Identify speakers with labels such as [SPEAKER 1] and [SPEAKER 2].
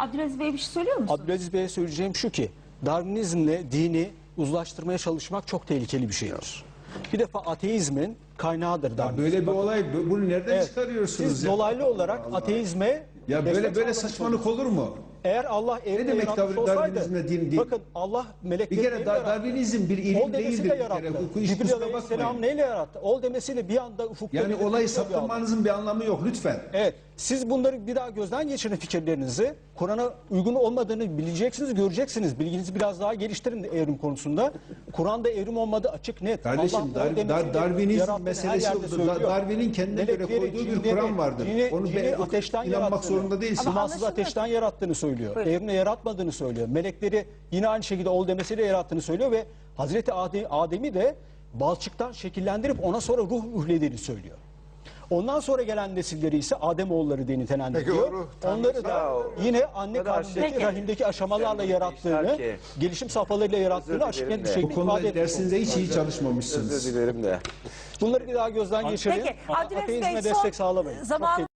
[SPEAKER 1] Abdülaziz Bey bir şey söylüyor musunuz?
[SPEAKER 2] Abdülaziz Bey'e söyleyeceğim şu ki, Darwinizmle dini uzlaştırmaya çalışmak çok tehlikeli bir şeydir. Bir defa ateizmin kaynağıdır Darwinizm.
[SPEAKER 3] Böyle bir olay, bunu nereden çıkarıyorsunuz?
[SPEAKER 2] Siz
[SPEAKER 3] ya?
[SPEAKER 2] dolaylı olarak ateizme...
[SPEAKER 3] Ya böyle saçmalık olur mu?
[SPEAKER 2] Eğer Allah evreni
[SPEAKER 3] demek
[SPEAKER 2] yaratmış olsaydı,
[SPEAKER 3] Darwinizmle din değil?
[SPEAKER 2] bakın Allah
[SPEAKER 3] Bir
[SPEAKER 2] melekleri
[SPEAKER 3] kere
[SPEAKER 2] neyle yarattı?
[SPEAKER 3] Darwinizm bir ilim
[SPEAKER 2] Ol demesiyle
[SPEAKER 3] değildir. Bir
[SPEAKER 2] yarattı.
[SPEAKER 3] kere. Bu iş
[SPEAKER 2] Cibril
[SPEAKER 3] kusura
[SPEAKER 2] Aleyhisselam
[SPEAKER 3] bakmayın.
[SPEAKER 2] neyle yarattı? Ol demesiyle bir anda ufukta...
[SPEAKER 3] Yani
[SPEAKER 2] belirtiyor
[SPEAKER 3] olayı
[SPEAKER 2] bir Allah.
[SPEAKER 3] saptırmanızın bir anlamı yok lütfen.
[SPEAKER 2] Evet, siz bunları bir daha gözden geçirin fikirlerinizi. Kur'an'a uygun olmadığını bileceksiniz, göreceksiniz. Bilginizi biraz daha geliştirin evrim konusunda. Kur'an'da evrim olmadığı açık, net.
[SPEAKER 3] Kardeşim,
[SPEAKER 2] Allah ol demesiyle
[SPEAKER 3] Darwinizm
[SPEAKER 2] yarattığını her
[SPEAKER 3] meselesi
[SPEAKER 2] yerde
[SPEAKER 3] yoktur.
[SPEAKER 2] söylüyor.
[SPEAKER 3] Darwin'in kendine göre
[SPEAKER 2] Melekleri,
[SPEAKER 3] koyduğu bir
[SPEAKER 2] cinleri,
[SPEAKER 3] Kur'an vardır. Onu
[SPEAKER 2] cini ateşten
[SPEAKER 3] inanmak
[SPEAKER 2] yarattığını,
[SPEAKER 3] zorunda değilsin.
[SPEAKER 1] Ama
[SPEAKER 2] İmansız
[SPEAKER 1] anlaşılmıyor.
[SPEAKER 2] ateşten yarattığını söylüyor.
[SPEAKER 1] Buyurun.
[SPEAKER 2] Evrimle yaratmadığını söylüyor. Melekleri yine aynı şekilde ol demesiyle yarattığını söylüyor ve Hazreti Adem'i de balçıktan şekillendirip ona sonra ruh ühlediğini söylüyor. Ondan sonra gelen nesilleri ise Ademoğulları diye nitelendiriyor.
[SPEAKER 4] Peki,
[SPEAKER 2] Onları da yine anne karnındaki,
[SPEAKER 1] Peki.
[SPEAKER 2] rahimdeki aşamalarla yarattığını, gelişim safhalarıyla yarattığını açık net bir şekilde
[SPEAKER 3] Bu
[SPEAKER 2] ifade
[SPEAKER 3] konuda
[SPEAKER 2] ediyor.
[SPEAKER 3] dersinizde hiç iyi çalışmamışsınız.
[SPEAKER 4] Özür dilerim de.
[SPEAKER 2] Bunları bir daha gözden geçirin.
[SPEAKER 1] Peki Abdülaziz Bey
[SPEAKER 2] Ateizme
[SPEAKER 1] son
[SPEAKER 2] destek sağlamayın. Çok
[SPEAKER 1] zaman